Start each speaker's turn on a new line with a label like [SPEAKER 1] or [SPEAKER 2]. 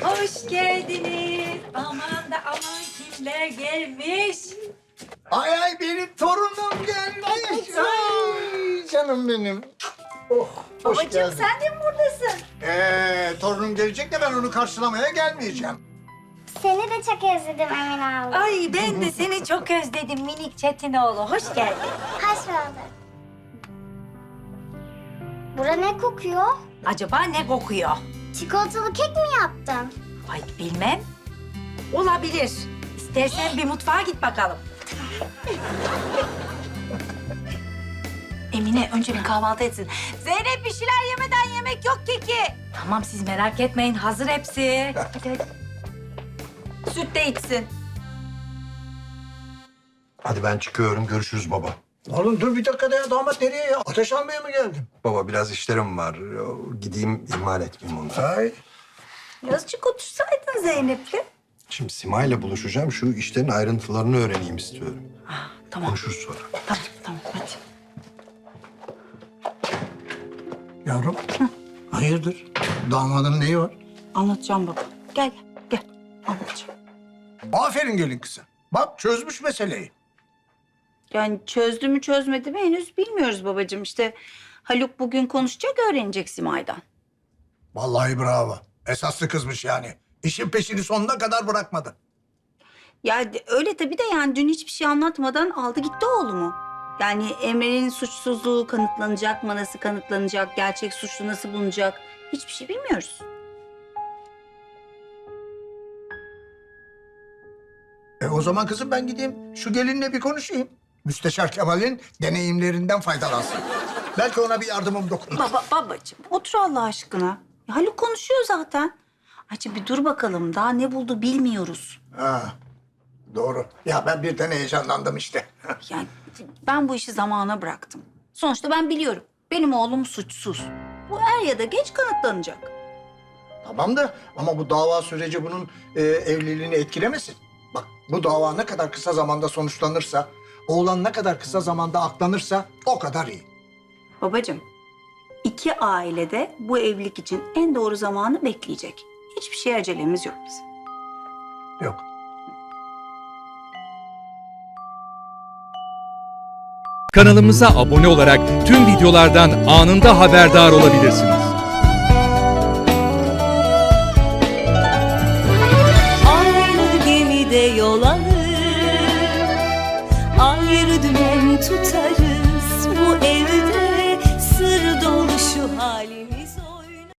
[SPEAKER 1] Hoş geldiniz. Aman da aman kimler gelmiş.
[SPEAKER 2] Ay ay benim torunum gelmiş. Ay canım benim. Oh, hoş
[SPEAKER 1] Babacığım
[SPEAKER 2] geldin.
[SPEAKER 1] sen de mi buradasın?
[SPEAKER 2] Torunum gelecek de ben onu karşılamaya gelmeyeceğim.
[SPEAKER 3] Seni de çok özledim Emin abla.
[SPEAKER 1] Ay ben de seni çok özledim minik Çetinoğlu. Hoş geldin.
[SPEAKER 3] Hoş bulduk. Bura ne kokuyor?
[SPEAKER 1] Acaba ne kokuyor?
[SPEAKER 3] Çikolatalı kek mi yaptın?
[SPEAKER 1] Ay bilmem. Olabilir. İstersen bir mutfağa git bakalım. Emine önce bir kahvaltı etsin. Zeynep bir şeyler yemeden yemek yok keki. Tamam siz merak etmeyin hazır hepsi. Hadi hadi. Süt de içsin.
[SPEAKER 4] Hadi ben çıkıyorum. Görüşürüz baba.
[SPEAKER 2] Oğlum dur bir dakika ya, damat nereye ya? Ateş almaya mı geldin?
[SPEAKER 4] Baba biraz işlerim var. Gideyim ihmal etmeyeyim onu.
[SPEAKER 2] Ay.
[SPEAKER 1] Birazcık otursaydın Zeynep'le.
[SPEAKER 4] Şimdi Sima'yla buluşacağım. Şu işlerin ayrıntılarını öğreneyim istiyorum.
[SPEAKER 1] Tamam.
[SPEAKER 4] Konuşuruz sonra.
[SPEAKER 1] Tamam hadi.
[SPEAKER 2] Yavrum. Hayırdır? Damadın neyi var?
[SPEAKER 1] Anlatacağım baba. Gel gel anlatacağım.
[SPEAKER 2] Aferin gelin kızım. Bak çözmüş meseleyi.
[SPEAKER 5] Yani çözdü mü çözmedi mi henüz bilmiyoruz babacığım. İşte Haluk bugün konuşacak, öğrenecek Simay'dan.
[SPEAKER 2] Vallahi bravo. Esaslı kızmış yani. İşin peşini sonuna kadar bırakmadı.
[SPEAKER 5] Ya öyle tabii de yani dün hiçbir şey anlatmadan aldı gitti oğlumu. Yani Emre'nin suçsuzluğu kanıtlanacak mı, nasıl kanıtlanacak, gerçek suçlu nasıl bulunacak hiçbir şey bilmiyoruz.
[SPEAKER 2] O zaman kızım ben gideyim şu gelinle bir konuşayım. Müsteşar Kemal'in deneyimlerinden faydalansın. Belki ona bir yardımım dokunur.
[SPEAKER 5] Babacığım otur Allah aşkına. Ya Haluk konuşuyor zaten. Ayça bir dur bakalım daha ne buldu bilmiyoruz.
[SPEAKER 2] Ha, doğru. Ya ben birden heyecanlandım işte.
[SPEAKER 5] Yani ben bu işi zamana bıraktım. Sonuçta ben biliyorum. Benim oğlum suçsuz. Bu er ya da geç kanıtlanacak.
[SPEAKER 2] Tamam da ama bu dava süreci bunun evliliğini etkilemesin. Bak bu dava ne kadar kısa zamanda sonuçlanırsa, oğlan ne kadar kısa zamanda aklanırsa o kadar iyi.
[SPEAKER 5] Babacığım, iki aile de bu evlilik için en doğru zamanı bekleyecek. Hiçbir şeye acelemiz yok bizim.
[SPEAKER 2] Yok.
[SPEAKER 6] Kanalımıza abone olarak tüm videolardan anında haberdar olabilirsiniz.